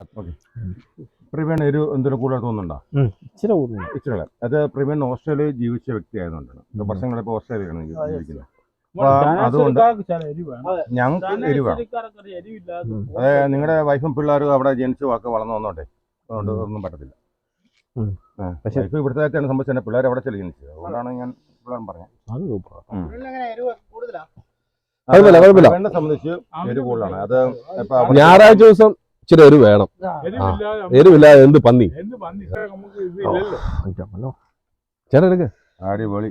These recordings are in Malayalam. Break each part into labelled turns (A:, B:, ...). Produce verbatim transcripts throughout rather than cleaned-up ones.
A: പ്രവീൺ ഒരു എന്തൊരു കൂടുതൽ തോന്നുന്നുണ്ടോ?
B: ഇച്ചിരി കൂടുതൽ.
A: ഇച്ചിരി അത് പ്രവീൺ ഓസ്ട്രേലിയയിൽ ജീവിച്ച വ്യക്തി ആയതുകൊണ്ടാണ്. വർഷങ്ങളിപ്പോൾ ഓസ്ട്രേലിയയിലാണ് ജീവിക്കുന്നത്. അതുകൊണ്ട് ഞങ്ങൾക്ക് എരിവാണ്. അതായത് നിങ്ങളുടെ വൈഫും പിള്ളേരും അവിടെ ജനിച്ചു വാക്ക് വളർന്നു വന്നോട്ടെ, അതുകൊണ്ട് ഒന്നും പറ്റത്തില്ല. പക്ഷേ ഇപ്പൊ ഇവിടുത്തെ സംബന്ധിച്ച് തന്നെ പിള്ളേർ അവിടെ ചെല്ലു ജനിച്ചത്, അതുകൊണ്ടാണ് ഞാൻ പിള്ളേരും പറഞ്ഞത്. എന്നെ സംബന്ധിച്ച് എരിവ് കൂടുതലാണ്. അത്
C: ഞായറാഴ്ച ദിവസം ഇച്ചിരി എരിവ് വേണം. എരിവില്ലാതെ എന്ത് പന്നി ചേട്ടാ എടുക്ക.
A: അടിപൊളി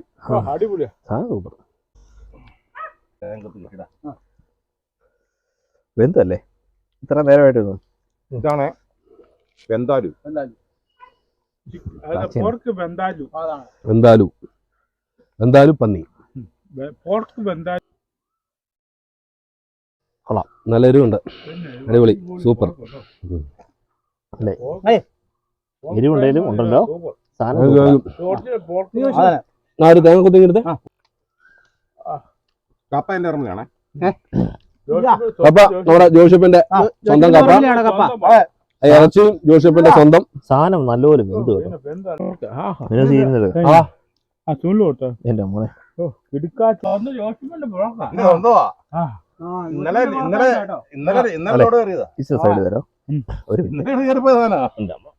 B: വെന്തല്ലേ ഇത്ര നേരമായിട്ട്.
A: ഇതാണ് വെന്താലു.
C: വെന്താലു വെന്താലു പന്നി കൊള്ളാം, നല്ല എരിവുണ്ട്. അടിപൊളി, സൂപ്പർ.
B: എരിവുണ്ടെങ്കിലും ഉണ്ടല്ലോ
C: ഒരു തേങ്ങ കുത്തി എടുത്തേ.
A: കപ്പ എന്റെ ഇറങ്ങുകയാണേ.
C: കപ്പ നമ്മുടെ ജോഷപ്പിന്റെ സ്വന്തം കപ്പ, ഇറച്ചിയും ജോഷപ്പിന്റെ സ്വന്തം
B: സാധനം നല്ലപോലെ വെന്ത് കേട്ടോ. എന്റെ മോനെ
A: ഇന്നലെ ഇന്നലെ ഇന്നലെ ഇന്നലെ
B: സൈഡ് തരോ.
A: ഇന്നലെ